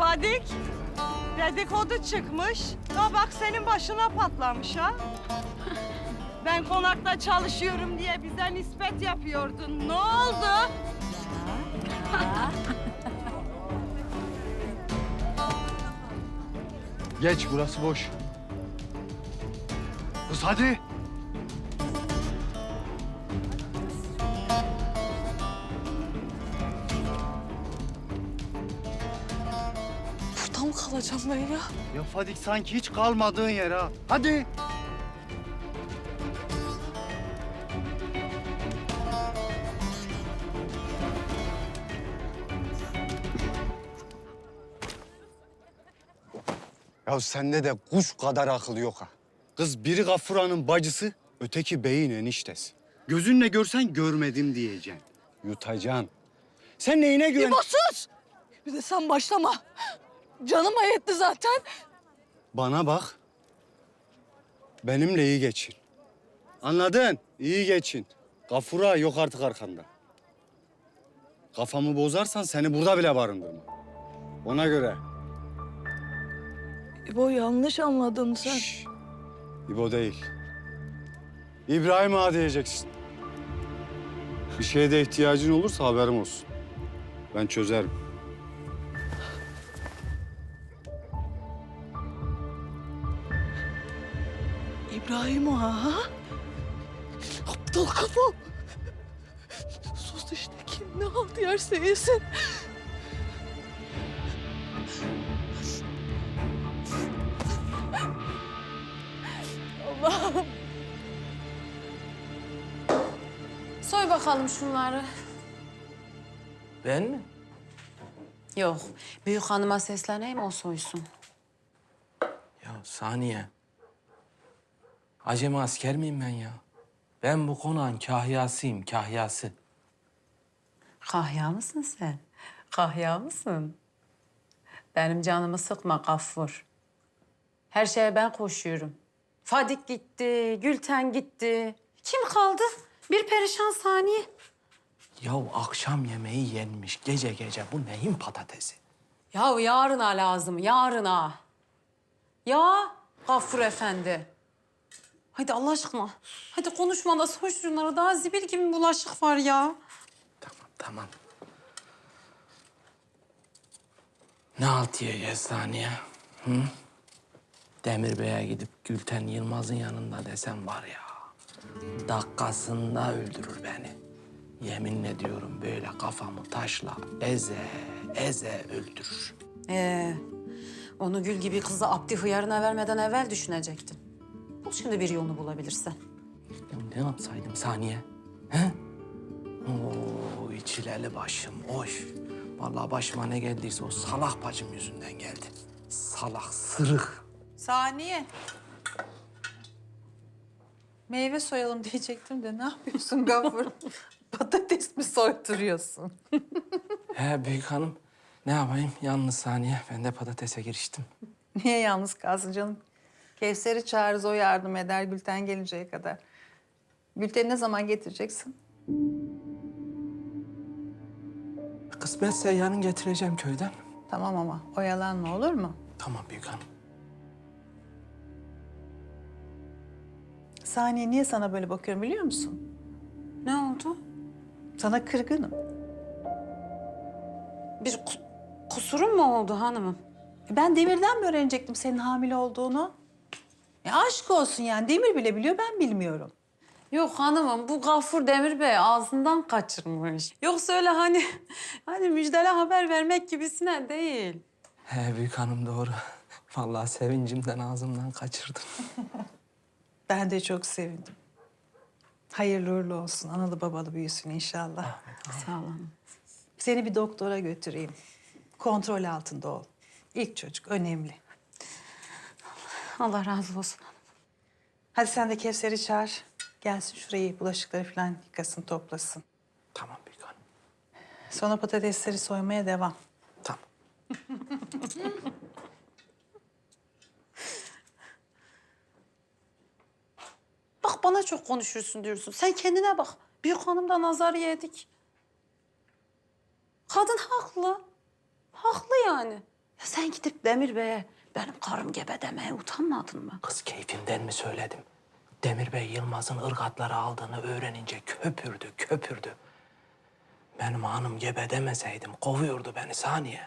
Fadik, dedikodu çıkmış. Ya bak senin başına patlamış ha. Ben konakta çalışıyorum diye bize nispet yapıyordun. Ne oldu? Geç, burası boş. Kız hadi. Burada mı kalacağım ben ya? Ya Fadik sanki hiç kalmadığın yer ha. Hadi. Ya sende de kuş kadar akıl yok ha. Kız biri Gafura'nın bacısı, öteki beyin eniştesi. Gözünle görsen görmedim diyeceksin. Yutacaksın. Sen neyine güven... İbo sus! Bir de sen başlama. Canıma yetti zaten. Bana bak. Benimle iyi geçin. Anladın? İyi geçin. Gafura yok artık arkanda. Kafamı bozarsan seni burada bile barındırmam. Ona göre. İbo yanlış anladın sen. Şş, İbo değil. İbrahim Ağa diyeceksin. Bir şeye de ihtiyacın olursa haberim olsun. Ben çözerim. İbrahim Ağa. Ha? Aptal kafa. Sus işte, kim ne halt yerse yesin. Allah'ım. Soy bakalım şunları. Ben mi? Yok, büyük hanıma sesleneyim o soysun. Ya Saniye. Acemi asker miyim ben ya? Ben bu konağın kahyasıyım, kahyası. Kahya mısın sen? Kahya mısın? Benim canımı sıkma Gaffur. Her şeye ben koşuyorum. Fadik gitti, Gülten gitti. Kim kaldı? Bir perişan Saniye. Ya akşam yemeği yenmiş gece gece. Bu neyin patatesi? Ya yarına lazım, yarına. Ya Gaffur Efendi. Hadi Allah aşkına. Hadi konuşma da soy şunları. Daha zibil gibi bulaşık var ya. Tamam, tamam. Ne halt yiyeceğiz Saniye? Hı? Demir Bey'e gidip Gülten Yılmaz'ın yanında desem var ya... dakikasında öldürür beni. Yemin ediyorum böyle kafamı taşla eze öldürür. Onu gül gibi kızı Abdi hıyarına vermeden evvel düşünecektin. Bul şimdi bir yolunu bulabilirsen. Ya ne yapsaydım Saniye? He? Oo içileli başım, oy. Vallahi başıma ne geldiyse o salak bacım yüzünden geldi. Salak, sırık. Saniye. Meyve soyalım diyecektim de ne yapıyorsun Gafur? Patates mi soyduruyorsun? He büyük hanım, ne yapayım? Yalnız Saniye, ben de patatese giriştim. Niye yalnız kalsın canım? Kevser'i çağırırız, o yardım eder Gülten gelinceye kadar. Gülten'i ne zaman getireceksin? Kısmetse yarın getireceğim köyden. Tamam ama oyalanma, olur mu? Tamam büyük hanım. Saniye, niye sana böyle bakıyorum biliyor musun? Ne oldu? Sana kırgınım. Bir kusurum mu oldu hanımım? Ben Demir'den mi öğrenecektim senin hamile olduğunu? Ya aşk olsun yani, Demir bile biliyor, ben bilmiyorum. Yok hanımım, bu Gaffur Demir Bey ağzından kaçırmış. Yoksa öyle hani müjdeli haber vermek gibisine değil. He büyük hanım doğru. Vallahi sevincimden ağzımdan kaçırdım. Ben de çok sevindim. Hayırlı uğurlu olsun, analı babalı büyüsün inşallah. Sağ olun. Seni bir doktora götüreyim. Kontrol altında ol. İlk çocuk önemli. Allah razı olsun. Hadi sen de Kevser'i çağır. Gelsin şurayı, bulaşıkları falan yıkasın, toplasın. Tamam büyük hanım. Sonra patatesleri soymaya devam. Tamam. Bak bana çok konuşursun diyorsun. Sen kendine bak. Büyük hanımda nazar yedik. Kadın haklı. Haklı yani. Sen gidip Demir Bey'e benim karım gebe demeye utanmadın mı? Kız keyfimden mi söyledim? Demir Bey Yılmaz'ın ırgatları aldığını öğrenince köpürdü. Benim hanım gebe demeseydim kovuyordu beni Saniye.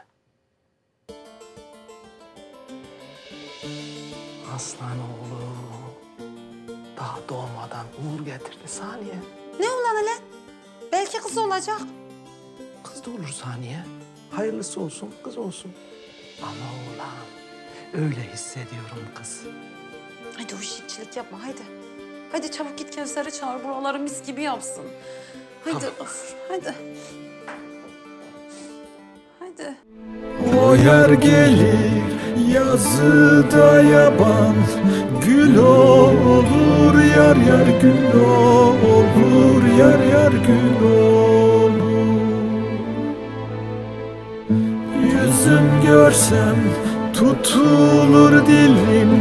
Aslan oğlu daha doğmadan uğur getirdi Saniye. Ne ulan hele? Belki kız olacak. Kız da olur Saniye. Hayırlısı olsun, kız olsun. Ama oğlan, öyle hissediyorum kız. Hadi huşitçilik yapma haydi. Hadi çabuk git Kevser'i çağır buraları mis gibi yapsın. Haydi of hadi. Hadi. O yer gelir yazıda yaban, gül olur yar yar gül olur yar yar gül olur. Yüzüm görsem tutulur dilim,